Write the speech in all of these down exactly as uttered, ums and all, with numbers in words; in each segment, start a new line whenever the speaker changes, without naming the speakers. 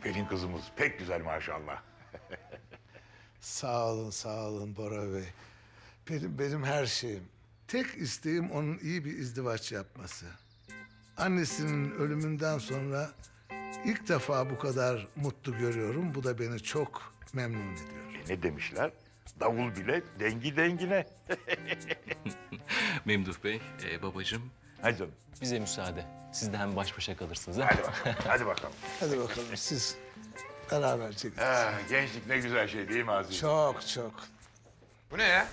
Pelin kızımız pek güzel maşallah.
Sağ olun, sağ olun Bora Bey. Benim, benim her şeyim. Tek isteğim onun iyi bir izdivaç yapması. Annesinin ölümünden sonra ilk defa bu kadar mutlu görüyorum. Bu da beni çok memnun ediyor.
E ne demişler? Davul bile dengi dengine.
Memduh Bey, e, babacığım
Hadi canım.
bize müsaade. Siz de hem baş başa kalırsınız ha?
Hadi bakalım. Hadi bakalım.
Hadi bakalım siz beraber çekin.
Ah, gençlik ne güzel şey değil mi Aziz?
Çok çok.
Bu ne ya?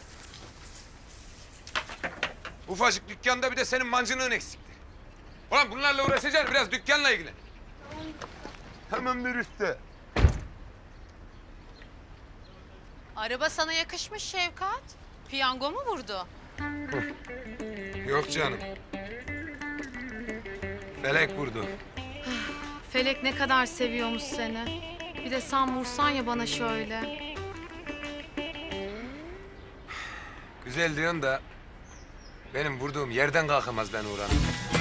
Ufacık dükkanda bir de senin mancınığın eksikti. Ulan bunlarla uğraşacaksın, biraz dükkanla ilgilen.
Hemen bir üstte.
Araba sana yakışmış Şevkat. Piyango mu vurdu?
Yok canım. Felek vurdu.
Felek ne kadar seviyormuş seni. Bir de sen vursan ya bana şöyle.
Güzel diyorsun da benim vurduğum yerden kalkamaz ben Uğran.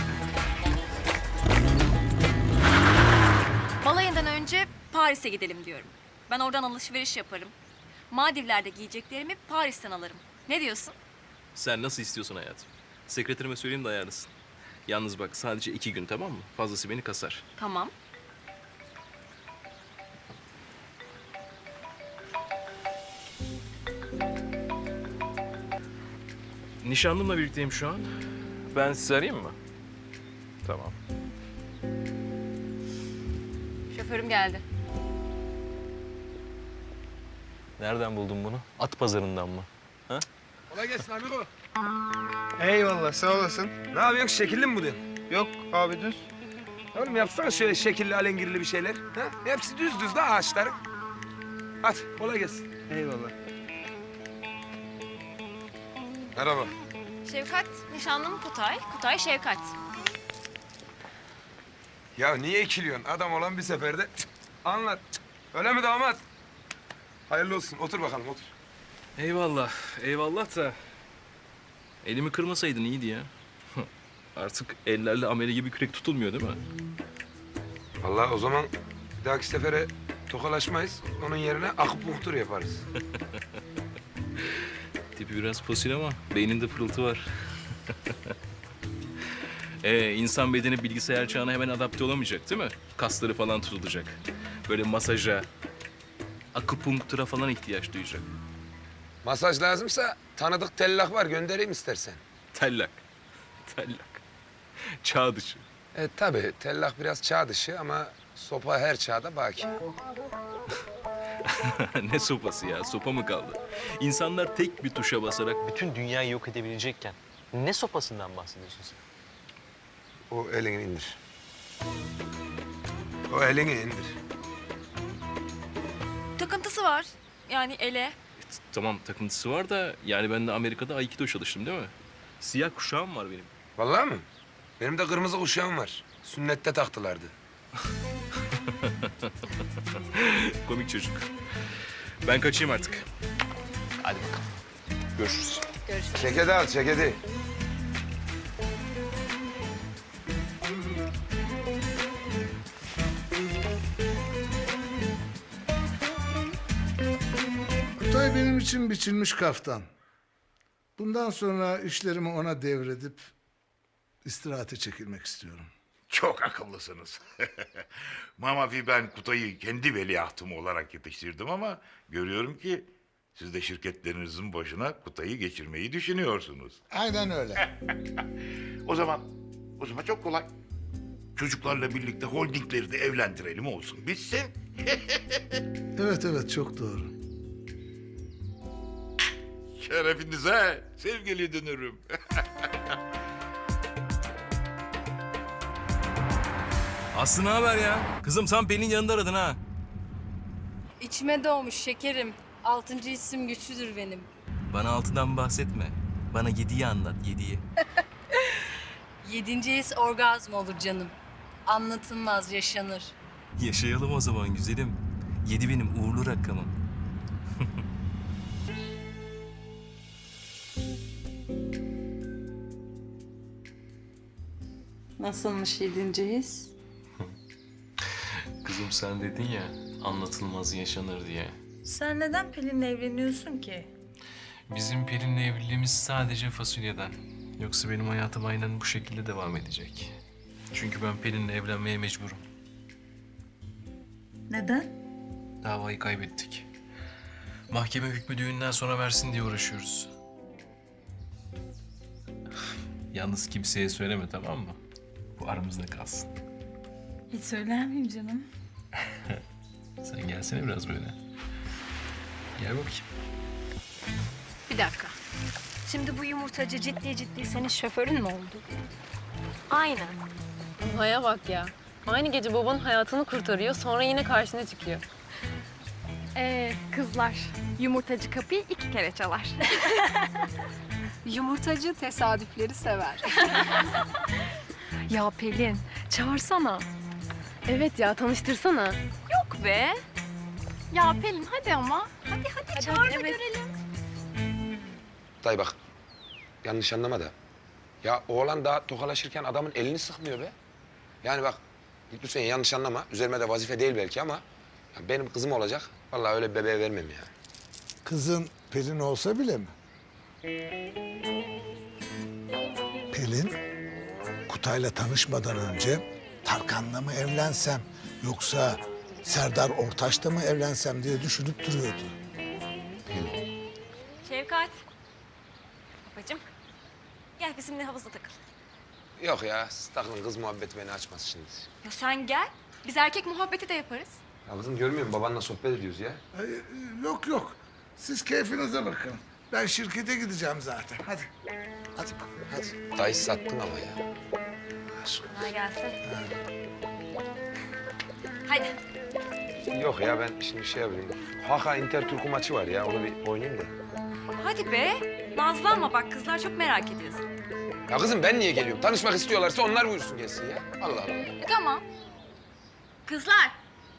Balayından önce Paris'e gidelim diyorum. Ben oradan alışveriş yaparım. Maldivler'de giyeceklerimi Paris'ten alırım. Ne diyorsun?
Sen nasıl istiyorsun hayatım? Sekreterime söyleyeyim de ayarlasın. Yalnız bak sadece iki gün tamam mı? Fazlası beni kasar.
Tamam.
Nişanlımla birlikteyim şu an. Ben sizi arayayım mı? Tamam.
Şoförüm geldi.
Nereden buldun bunu? At pazarından mı?
Kolay gelsin amigo.
Eyvallah sağ olasın.
Ne yapıyorsun, şekilli mi bu diyorsun?
Yok abi düz.
Oğlum yapsana şöyle şekilli, alengirli bir şeyler. Ha? Hepsi düz düz de ağaçların. Hadi kolay gelsin.
Eyvallah.
Merhaba.
Şevkat, nişanlım Kutay. Kutay Şevkat.
Ya niye ikiliyorsun? Adam olan bir seferde cık, anlat. Cık. Öyle mi damat? Hayırlı olsun. Otur bakalım, otur.
Eyvallah, eyvallah da... Elimi kırmasaydın iyiydi ya. Artık ellerle amele gibi kürek tutulmuyor değil mi?
Vallahi o zaman bir dahaki sefere tokalaşmayız. Onun yerine akupunktur yaparız.
Tipi biraz fosil ama beyninde pırıltı var. ee, insan bedeni bilgisayar çağına hemen adapte olamayacak değil mi? Kasları falan tutulacak. Böyle masaja, akupunktura falan ihtiyaç duyacak.
Masaj lazımsa tanıdık tellak var. Göndereyim istersen.
Tellak, tellak. Çağ dışı.
E tabii tellak biraz çağ dışı ama sopa her çağda baki.
Ne sopası ya? Sopa mı kaldı? İnsanlar tek bir tuşa basarak bütün dünyayı yok edebilecekken ne sopasından bahsediyorsun sen?
O elini indir. O elini indir.
Takıntısı var. Yani ele.
Tamam takıntısı var da yani ben de Amerika'da Aikido çalıştım değil mi? Siyah kuşağım var benim.
Vallahi mi? Benim de kırmızı kuşağım var. Sünnette taktılardı.
Komik çocuk. Ben kaçayım artık. Hadi bakalım. Görüşürüz.
Görüşürüz.
Çekedi al, çekedi.
Kutay benim için biçilmiş kaftan. Bundan sonra işlerimi ona devredip istirahate çekilmek istiyorum.
Çok akıllısınız. Mamafi ben Kutay'ı kendi veliahtım olarak yetiştirdim ama görüyorum ki siz de şirketlerinizin başına Kutay'ı geçirmeyi düşünüyorsunuz.
Aynen öyle.
O zaman, o zaman çok kolay. Çocuklarla birlikte holdingleri de evlendirelim olsun bitsin.
Evet evet çok doğru.
Şerefinize sevgili dünürüm.
Aslı ne haber ya? Kızım sen Pelin yanında aradın ha.
İçime doğmuş şekerim. Altıncı isim güçlüdür benim.
Bana altıdan bahsetme. Bana yediyi anlat, yediyi.
Yedinci his orgazm olur canım. Anlatılmaz, yaşanır.
Yaşayalım o zaman güzelim. Yedi benim uğurlu rakamım.
Nasılmış yedinci his?
Kızım Kızım sen dedin ya anlatılmaz yaşanır diye.
Sen neden Pelin'le evleniyorsun ki?
Bizim Pelin'le evliliğimiz sadece fasulyeden. Yoksa benim hayatım aynen bu şekilde devam edecek. Çünkü ben Pelin'le evlenmeye mecburum.
Neden?
Davayı kaybettik. Mahkeme hükmü düğünden sonra versin diye uğraşıyoruz. Yalnız kimseye söyleme, tamam mı? Bu aramızda kalsın.
Hiç söyler miyim canım?
Sen gelsene biraz böyle. Gel bakayım.
Bir dakika. Şimdi bu yumurtacı ciddi ciddi senin şoförün mü oldu?
Aynen. Haya bak ya. Aynı gece babanın hayatını kurtarıyor, sonra yine karşına çıkıyor.
Ee, kızlar, yumurtacı kapıyı iki kere çalar.
Yumurtacı tesadüfleri sever.
Ya Pelin, çağırsana.
Evet ya, tanıştırsana.
Yok be. Ya Pelin hadi ama. Hadi hadi, çağır da görelim.
Dayı bak, yanlış anlama da. Ya oğlan daha tokalaşırken adamın elini sıkmıyor be. Yani bak, lütfen yanlış anlama. Üzerime de vazife değil belki ama... ya benim kızım olacak. Vallahi öyle bir bebeğe vermem ya.
Kızın Pelin olsa bile mi? Pelin, Kutay'la tanışmadan önce Tarkan'la mı evlensem yoksa Serdar Ortaç'la mı evlensem diye düşünüp duruyordu.
Şevkat. Babacığım. Gel bizimle havuzda takıl.
Yok ya, siz takılın, kız muhabbeti beni açmaz şimdi.
Ya sen gel. Biz erkek muhabbeti de yaparız.
Ya kızım görmüyor musun? Babanla sohbet ediyoruz ya.
Ay, yok yok, siz keyfinize bakın. Ben şirkete gideceğim zaten. Hadi. Hadi bak, hadi.
Dayı sattın ama ya.
Kolay gelsin. Hadi.
Yok ya, ben şimdi şey yapayım. Haka Inter Turku maçı var ya, onu bir oynayayım da.
Hadi be. Nazlanma bak, kızlar çok merak ediyorsun.
Ya kızım ben niye geliyorum? Tanışmak istiyorlarsa onlar buyursun gelsin ya. Allah Allah.
E, tamam. Kızlar.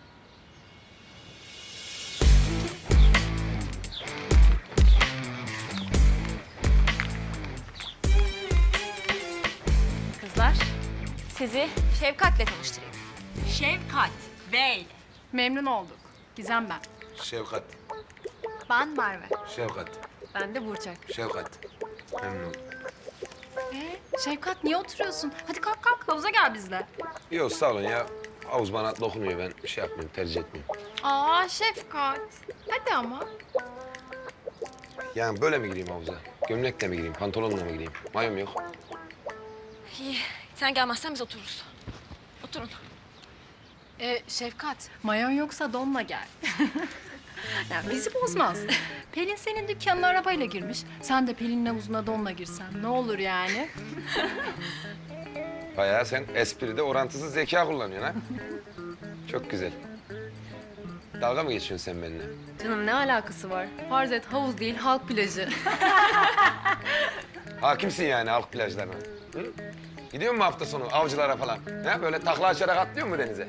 Kızlar, sizi Şevkat'le tanıştırayım. Şevkat Bey.
Memnun olduk. Gizem ben.
Şevkat,
Ben Merve.
Şevkat,
Ben de Burçak.
Şevkat. Memnun oldum.
Ee, Şevkat niye oturuyorsun? Hadi kalk kalk, havuza gel bizle.
Yok sağ olun ya. Havuz bana dokunuyor, ben bir şey yapmıyorum, tercih etmiyorum.
Aa Şefkat. Hadi ama.
Yani böyle mi gireyim havuza? Gömlekle mi gireyim, pantolonla mı gireyim? Mayom yok.
İyi, sen gelmezsen biz otururuz. Oturun.
Ee, Şefkat, mayon yoksa donla gel. Ya bizi bozmaz. Pelin senin dükkanına arabayla girmiş. Sen de Pelin'in havuzuna donla girsen ne olur yani?
Bayağı sen espride orantısız zeka kullanıyorsun ha. Çok güzel. Dalga mı geçiyorsun sen benimle?
Canım ne alakası var? Farz et havuz değil, halk plajı.
Hakimsin yani halk plajlarına. Hı? Gidiyor mu hafta sonu avcılara falan? Ha? Böyle takla açarak atlıyor mu denize?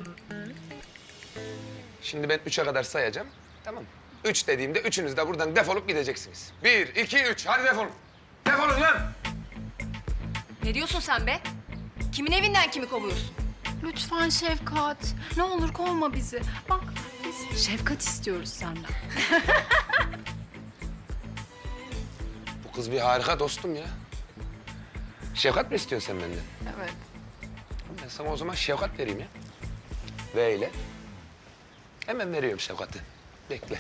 Şimdi ben üçe kadar sayacağım. Tamam mı? Üç dediğimde üçünüz de buradan defolup gideceksiniz. Bir, iki, üç. Hadi defolun. Defolun lan!
Ne diyorsun sen be? Kimin evinden kimi kovuyorsun?
Lütfen Şefkat. Ne olur kovma bizi. Bak biz Şefkat istiyoruz senden.
Bu kız bir harika dostum ya. Şefkat mi istiyorsun sen benden?
Evet.
Ben sana o zaman şefkat vereyim ya. Ve ile. Hemen veriyorum şefkati. Bekle.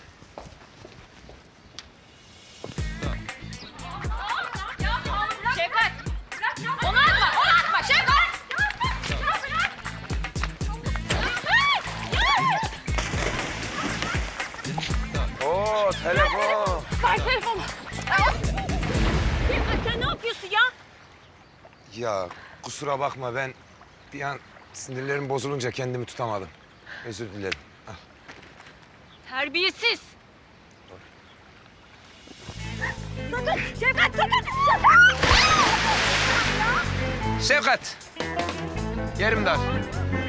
Şevkat! Onu atma, onu atma Şevkat!
Oo telefon.
Ver telefonu. Şevkat sen ne yapıyorsun ya?
Ya kusura bakma ben bir an sinirlerim bozulunca kendimi tutamadım. Özür dilerim. Al.
Terbiyesiz.
Şevkat. Yerim dar.